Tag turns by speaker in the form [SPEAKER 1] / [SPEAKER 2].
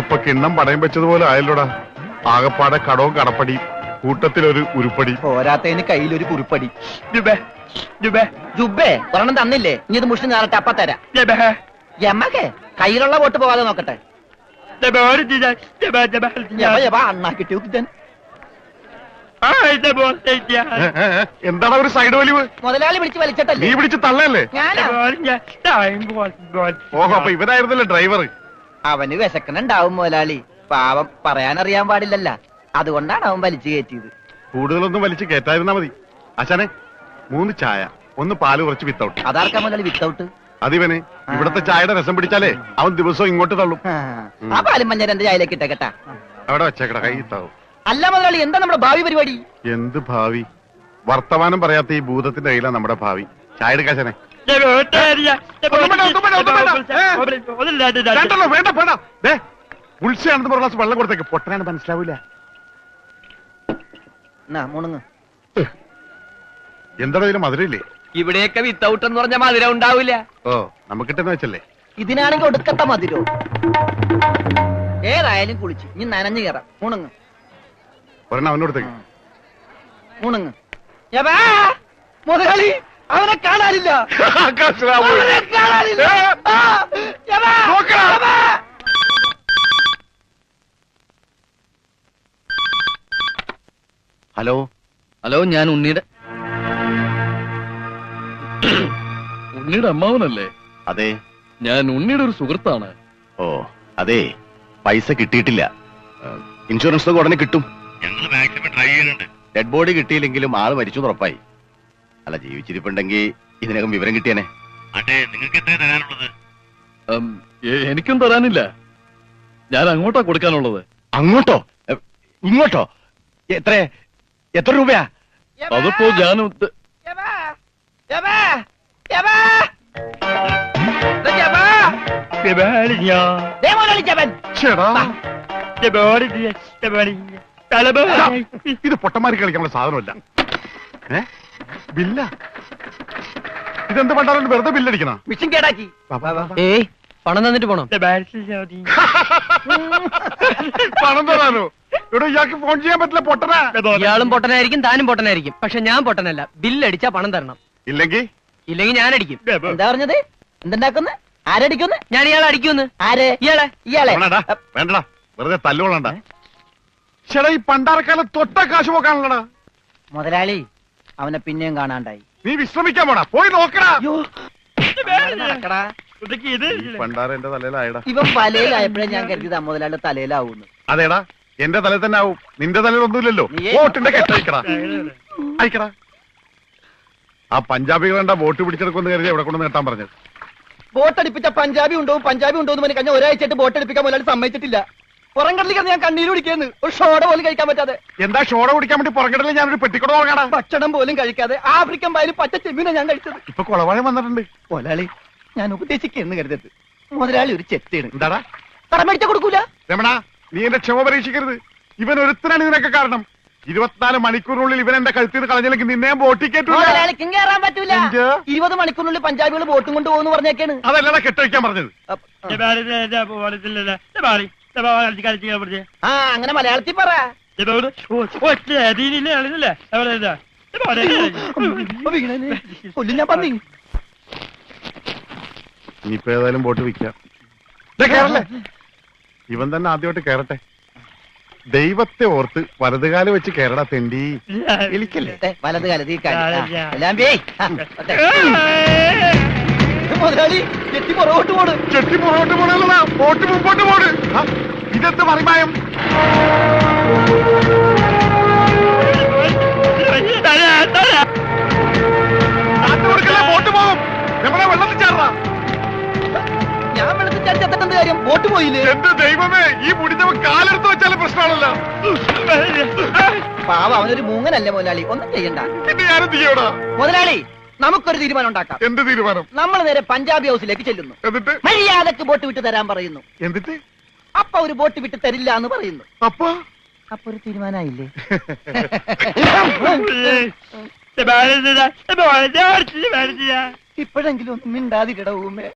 [SPEAKER 1] ഇതിപ്പോ കിണ്ണം പടയം വെച്ചതുപോലെ ആയല്ലോടാ. ആകപ്പാടെ കടവും കടപ്പടി, കൂട്ടത്തിലൊരു ഉരുപ്പടി.
[SPEAKER 2] പോരാത്തതിന് കയ്യിലൊരു കുറിപ്പടി.
[SPEAKER 3] ജുബേ ജുബേ
[SPEAKER 2] ജുബേ ഒരെണ്ണം തന്നില്ലേ, ഇനി ഇത് മുഷിന് ഞാറട്ടെ, അപ്പ തരാം.
[SPEAKER 3] ജബേ
[SPEAKER 2] എമ്മക്കെ കയ്യിലുള്ള വോട്ട് പോകാതെ നോക്കട്ടെ.
[SPEAKER 3] ജബേ ജബേ ജബേ
[SPEAKER 2] യവ യവ അണ്ണാ കിട്ടിയോ കിട്ടാൻ.
[SPEAKER 1] എന്താണ് ഒരു സൈഡ് വലിവ്?
[SPEAKER 2] മുതലാളി പിടിച്ച്
[SPEAKER 1] നീ
[SPEAKER 2] വലിച്ചിട്ടല്ലേ
[SPEAKER 1] പിടിച്ച് തള്ളല്ലേ?
[SPEAKER 2] ഞാനാ.
[SPEAKER 1] ഓഹോ, അപ്പൊ ഇവനായിരുന്നല്ലേ ഡ്രൈവർ?
[SPEAKER 2] അവന് വിശക്കണുണ്ടാവും മുതലാളി, പാവം പറയാനറിയാൻ പാടില്ലല്ല, അതുകൊണ്ടാണ് അവൻ വലിച്ചു കയറ്റിയത്.
[SPEAKER 1] കൂടുതലൊന്നും വലിച്ച് കേറ്റായിരുന്നാ മതി. അച്ഛനെ 3 ചായ, 1 പാല്, കുറച്ച് വിത്തൗട്ട്.
[SPEAKER 2] അതാർക്കാ മുതലാളി വിത്തൗട്ട്?
[SPEAKER 1] അതിവന് ഇവിടത്തെ ചായയുടെ രസം പിടിച്ചാലേ അവൻ ദിവസവും ഇങ്ങോട്ട് തള്ളും.
[SPEAKER 2] ആ പാലും മഞ്ഞ എന്റെ ചായയിലേക്ക് ഇട്ടേക്കട്ടാ.
[SPEAKER 1] അവിടെ വെച്ചേക്കട, കൈ ഇത്താവും.
[SPEAKER 2] അല്ല മുതലാളി, എന്താ നമ്മുടെ ഭാവി പരിപാടി?
[SPEAKER 1] എന്ത് ഭാവി? വർത്തമാനം പറയാത്ത ഈ ഭൂതത്തിന്റെ കയ്യിലാണ് നമ്മുടെ ഭാവി. ചായ എടുക്കാശനെ. വേണ്ട വേണ്ട, ഉത്സയാണെന്ന് പറഞ്ഞ ഗ്ലാസ് വെള്ളം കൊടുത്തേക്ക്. പൊട്ടനാണ് മനസ്സിലാവൂല.
[SPEAKER 2] മുണുങ്ങ്.
[SPEAKER 1] എന്താണോ ഇതിന് മധുരയില്ലേ?
[SPEAKER 3] ഇവിടെയൊക്കെ വിത്തൗട്ട് എന്ന് പറഞ്ഞ മധുരം ഉണ്ടാവില്ല.
[SPEAKER 1] ഓ, നമുക്കിട്ടെന്ന് വെച്ചല്ലേ.
[SPEAKER 2] ഇതിനാണെങ്കിൽ ഒടുക്കത്ത മധുരോ. ഏതായാലും കുളിച്ച് ഇനി നനഞ്ഞു കയറാം. മുണുങ്ങ്
[SPEAKER 1] ഒരെണ്ണം അവനോടത്തേക്ക്.
[SPEAKER 2] മുണുങ്ങ്. യവാ, മുതലാളി അവനെ കാണാനില്ല. അവനെ കാണാനില്ല. ആ, യവാ, യവാ.
[SPEAKER 4] ഹലോ
[SPEAKER 3] ഹലോ, ഞാൻ ഉണ്ണിയുടെ അമ്മാവനല്ലേ?
[SPEAKER 4] അതെ.
[SPEAKER 3] ഞാൻ ഉണ്ണിയുടെ ഒരു സുഹൃത്താണ്.
[SPEAKER 4] ഓ അതെ, പൈസ കിട്ടിയിട്ടില്ല. ഇൻഷുറൻസ് ഒക്കെ ഉടനെ കിട്ടും. ഞങ്ങൾ മാക്സിമം ട്രൈ ചെയ്യുന്നുണ്ട്. ഡെഡ് ബോഡി കിട്ടിയില്ലെങ്കിലും ആള് മരിച്ചു ഉറപ്പായി. അല്ല, ജീവിച്ചിരിപ്പുണ്ടെങ്കിൽ ഇതിനകം വിവരം കിട്ടിയനെ. അതെ, നിങ്ങൾക്ക് എത്ര തരാനുള്ളത്?
[SPEAKER 3] എനിക്കും തരാനില്ല. ഞാൻ അങ്ങോട്ടാ കൊടുക്കാനുള്ളത്.
[SPEAKER 4] അങ്ങോട്ടോ ഇങ്ങോട്ടോ? എത്ര രൂപയാ?
[SPEAKER 3] അതിപ്പോ ഞാൻ
[SPEAKER 2] യവാ, യവാ, യവാ. യവാ. ദേ മുതലാളി ജപൻ.
[SPEAKER 1] ചേടാ, ഇത് പൊട്ടന്മാരി കളിക്കാനുള്ള സാധനമല്ല. ബില്ല ഇതെന്ത് പണ്ടാലും വെറുതെ ബില്ലടിക്കണ?
[SPEAKER 2] മിഷൻ കേടാക്കി.
[SPEAKER 3] ഏയ്, പണം തന്നിട്ട് പോണം.
[SPEAKER 1] പണം തരാനോ? ഇവിടെ ഇയാൾക്ക് ഫോൺ ചെയ്യാൻ പറ്റില്ല. പൊട്ടനാ.
[SPEAKER 3] ഇയാളും പൊട്ടനായിരിക്കും, താനും പൊട്ടനായിരിക്കും. പക്ഷെ ഞാൻ പൊട്ടനല്ല. ബില്ലടിച്ചാ പണം തരണം.
[SPEAKER 1] ഇല്ലെങ്കിൽ
[SPEAKER 3] ഞാൻ അടിക്കും.
[SPEAKER 2] എന്താ പറഞ്ഞത്? എന്തുണ്ടാക്കുന്നു? ആരടിക്കുന്നു?
[SPEAKER 3] ഞാൻ ഇയാളെ അടിക്കുന്നു.
[SPEAKER 2] ആര്? ഇയാളെ. ഇയാളെ
[SPEAKER 1] വേണ്ടടാ, വെറുതെ തല്ലുകൊള്ളണ്ട. ചേടാ, ഈ പണ്ടാരക്കാലം തൊട്ട കാശ് പോക്കാണല്ലടാ.
[SPEAKER 2] മുതലാളി അവനെ പിന്നെയും കാണാണ്ടായി.
[SPEAKER 1] നീ വിശ്രമിക്കാൻ പോടാ, പോയി നോക്കടാ.
[SPEAKER 2] നടക്കടാ.
[SPEAKER 1] പണ്ടാര എന്റെ തലയിലായടാ.
[SPEAKER 2] ഇവൻ വലയിലായപ്പോഴേ ഞാൻ കരുതിയതാ മുതലാളി തലയിലാവൂന്ന്.
[SPEAKER 1] അതേടാ, എന്റെ തലയിൽ തന്നെ ആവും. നിന്റെ തലയിൽ ഒന്നുമില്ലല്ലോ. വോട്ടിന്റെ കെട്ടയക്കടാ, അയക്കടാ. ആ പഞ്ചാബികളെന്താ വോട്ട് പിടിച്ചെടുക്കുമെന്ന് കരുതി എവിടെ കൊണ്ട് നേട്ടാൻ പറഞ്ഞത്?
[SPEAKER 2] ബോട്ടടിപ്പിച്ച പഞ്ചാബി ഉണ്ടോ എന്ന് പറഞ്ഞ് കഴിഞ്ഞ ഒരാഴ്ചയായിട്ട് ബോട്ടടിപ്പിക്കാൻ മുതലാളി സമ്മതിച്ചിട്ടില്ല. പുറംകടലിൽ ഞാൻ കണ്ണീര് കുടിക്കുന്നു. ഒരു ഷോട പോലും കഴിക്കാൻ പറ്റാതെ.
[SPEAKER 1] എന്താ ഷോട കുടിക്കാൻ വേണ്ടി പുറകിടലിൽ ഞാനൊരു പെട്ടിക്കൂടെ നോക്കടാ.
[SPEAKER 2] ഭക്ഷണം പോലും കഴിക്കാതെ ആഫ്രിക്കൻ പായലും പച്ച ചെമ്മീനെ ഞാൻ കഴിച്ചത്.
[SPEAKER 1] ഇപ്പൊ കുളവാഴം വന്നിട്ടുണ്ട്.
[SPEAKER 2] മുതലാളി ഞാൻ ഉപദേശിക്കുന്നു കരുതരുത്. മുതലാളി ഒരു ചെത്തേണ്.
[SPEAKER 1] എന്താടാ?
[SPEAKER 2] കടം മേടിച്ച കൊടുക്കൂല.
[SPEAKER 1] രമണ, നീ എന്റെ ക്ഷമ പരീക്ഷിക്കരുത്. ഇവൻ ഒരുത്തനാണ് ഇതിനൊക്കെ കാരണം. 24 മണിക്കൂറിനുള്ളിൽ ഇവൻ എന്റെ കഴുത്തിൽ കളഞ്ഞില്ലെങ്കിൽ നിന്നെ ബോട്ടിക്കേറ്റു.
[SPEAKER 2] മുതലാളിക്കും കയറാൻ പറ്റൂല. 20 മണിക്കൂറിനുള്ളിൽ പഞ്ചാബികൾ ബോട്ടും കൊണ്ട് പോകുന്നു പറഞ്ഞേക്കാണ്.
[SPEAKER 1] അതല്ലടാ കെട്ടഴിക്കാൻ പറഞ്ഞത്.
[SPEAKER 2] ആ, അങ്ങനെ മലയാളത്തിൽ പറ. കൊല്ലും ഞാൻ പന്നി.
[SPEAKER 1] ഇനിയിപ്പോ ഏതായാലും ബോട്ട് വിൽക്കാം. കേറല്ലേ, ഇവൻ തന്നെ ആദ്യമായിട്ട് കേറട്ടെ. ദൈവത്തെ ഓർത്ത് വലതുകാല് വെച്ച് കേരള തെണ്ടി. എലിക്കല്ലേ
[SPEAKER 2] വലത് കാലത്ത് മുതലാളി ചെട്ടി പുറകോട്ട് പോണ്.
[SPEAKER 1] ചെട്ടി പുറകോട്ട് പോണല്ലടാ, ബോട്ട് മുമ്പോട്ട് പോണ്. ഇതെന്ത് മറിമായം? ബോട്ട് പോകും. നമ്മളെ വെള്ളത്തിൽ ചാടാ.
[SPEAKER 2] ഞാൻ വെള്ളത്തിൽ ചാടി ചത്തിട്ടെന്ത് കാര്യം? ബോട്ട് പോയില്ലേ?
[SPEAKER 1] എന്റെ ദൈവമേ, ഈ മുടിഞ്ഞവൻ കാലെടുത്ത് വെച്ചാലും പ്രശ്നമാണല്ലോ.
[SPEAKER 2] പാവ, അവനൊരു മൂങ്ങനല്ലേ മുതലാളി, ഒന്നും ചെയ്യണ്ട.
[SPEAKER 1] പിന്നെ ഞാനെന്ത് ചെയ്യടാ?
[SPEAKER 2] മുതലാളി നമുക്കൊരു തീരുമാനം ഉണ്ടാക്കാം.
[SPEAKER 1] എന്ത് തീരുമാനം?
[SPEAKER 2] നമ്മൾ നേരെ പഞ്ചാബി ഹൗസിലേക്ക് ചെല്ലുന്നു.
[SPEAKER 1] എന്നിട്ട്
[SPEAKER 2] മര്യാദക്ക് ബോട്ട് വിട്ട് തരാൻ പറയുന്നു.
[SPEAKER 1] എന്നിട്ട്
[SPEAKER 2] അപ്പൊ ഒരു ബോട്ട് വിട്ട് തരില്ല എന്ന് പറയുന്നു.
[SPEAKER 1] അപ്പൊ
[SPEAKER 2] ഒരു തീരുമാനമായില്ലേ? ഇപ്പോഴെങ്കിലും ഒന്നും മിണ്ടാതിട ഊമേ.